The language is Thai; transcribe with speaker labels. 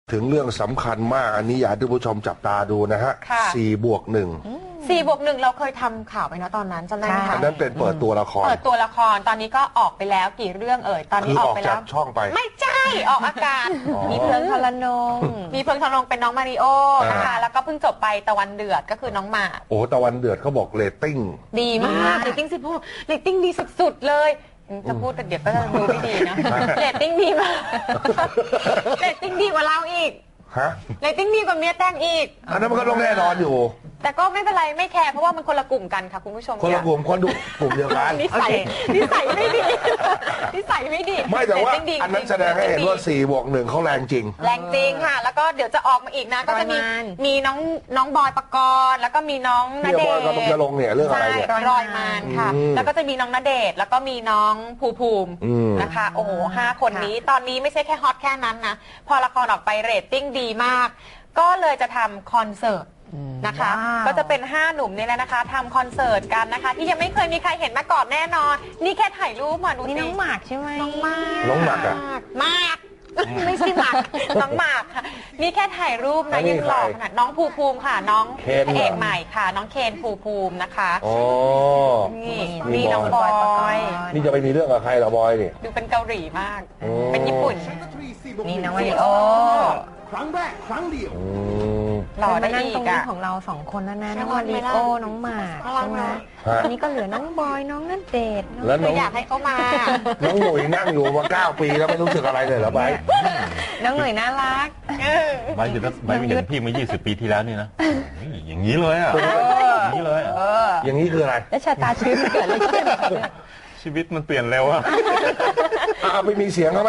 Speaker 1: ถึงเรื่องสำคัญมากอันนี้อยากให้ท่านผู้ชมจับตาดูนะฮะ4+1
Speaker 2: 4+1เราเคยทำข่าวไปนะตอนนั้นจำได้ไหมคะ
Speaker 1: อันนั้นเป็นเปิดตัวละคร
Speaker 2: เปิดตัวละครตอนนี้ก็ออกไปแล้วกี่เรื่องตอนนี้ออกไปแล้ว
Speaker 1: ช่องไป
Speaker 2: ไม่ใช่ออกอากาศมีเพลิงทรนงมีเพลิงทรนงเป็นน้องมาริโอนะคะแล้วก็เพิ่งจบไปตะวันเดือดก็คือน้องหมาก
Speaker 1: โอ้ตะวันเดือดเขาบอกเรตติ้ง
Speaker 2: ดีมากเรตติ้ง16เรตติ้งดีสุดๆเลยจะพูดแต่เดี๋ยวก็จะดูไม่ดีนะเรตติ้งดีมากเรตติ้งดีกว่าเราอีก
Speaker 1: ฮะ
Speaker 2: เรตติ้งดีกว่าเมียแต่งอีก
Speaker 1: อันนั้นมันก็ต้องแน่นอนอยู่
Speaker 2: แต่ก็ไม่เป็นไรไม่แคร์เพราะว่ามันคนละกลุ่มกันค่ะคุณผู้ชม
Speaker 1: คนละกลุ่มคนดูกลุ่มเดียวกัน
Speaker 2: นิสัยไม่ดีนิสัยไม่ดี
Speaker 1: ไม่แต่ว่าอันนั้นแสดงให้เห็นว่า4+1เขาแรงจริง
Speaker 2: แรงจริงค่ะแล้วก็เดี๋ยวจะออกมาอีกนะก็จะมีน้องบอยปกรณ์แล้วก็มีน้องณเดชน์
Speaker 1: จะลงเนี่ยเรื่องอะไรเนี่ย
Speaker 2: รอยมานค่ะแล้วก็จะมีน้องณเดชน์แล้วก็มีน้องภูมินะคะโอ้โห5 คนนี้ตอนนี้ไม่ใช่แค่ฮอตแค่นั้นนะพอละครออกไปเรตติ้งดีมากก็เลยจะทำคอนเสิร์ตนะคะก็จะเป็น5 หนุ่มนี่แหละนะคะทำคอนเสิร์ตกันนะคะที่ยังไม่เคยมีใครเห็นมาก่อนแน่นอนนี่แค่ถ่ายรูปมาดูนี่น้องหมากใช่ไหมน้องหมากอะหมากไม่ใช่หมากน้องหมากค่ะนี่แค่ถ่ายรูปนะยังหล่อขนาดน้องภูมิค่ะน้องพระเอกใหม่ค่ะน้องเคนภูมินะคะนี่น้องบอย
Speaker 1: นี่จะไปมีเรื่องกับใครเหรอบอยนี่
Speaker 2: ดูเป็นเกาหลีมากเป็นญี่ปุ่น
Speaker 3: นี่น้องมาริโอ
Speaker 4: ครั้งแรกครั้งเดียว
Speaker 2: หล่อได้อีกอะ
Speaker 3: ของเรา2 คนแล้วนะน้องมาริโอน้องหมากใช่ไหมอันนี้ก็เหลือน้องบอยน้องณเดชน์
Speaker 1: แล้วน้อง
Speaker 2: อยากให้เขามา
Speaker 1: น้องหนุ่ยนั่งอยู่มา9 ปีแล้วไม่รู้สึกอะไรเลยเหรอไบ
Speaker 3: น้องหนุ่ยน่ารัก
Speaker 5: ไบไม่เห็นพี่มา20 ปีที่แล้วนี่นะอย่างนี้เลยอ่ะอย่างนี้เลย
Speaker 1: อย่างนี้คืออะไร
Speaker 3: แล้วชะตาชีวิตเกิดอะไรขึ้น
Speaker 5: ชีวิตมันเปลี่ยนเร็วอ่ะ
Speaker 1: ไปมีเสียงเขา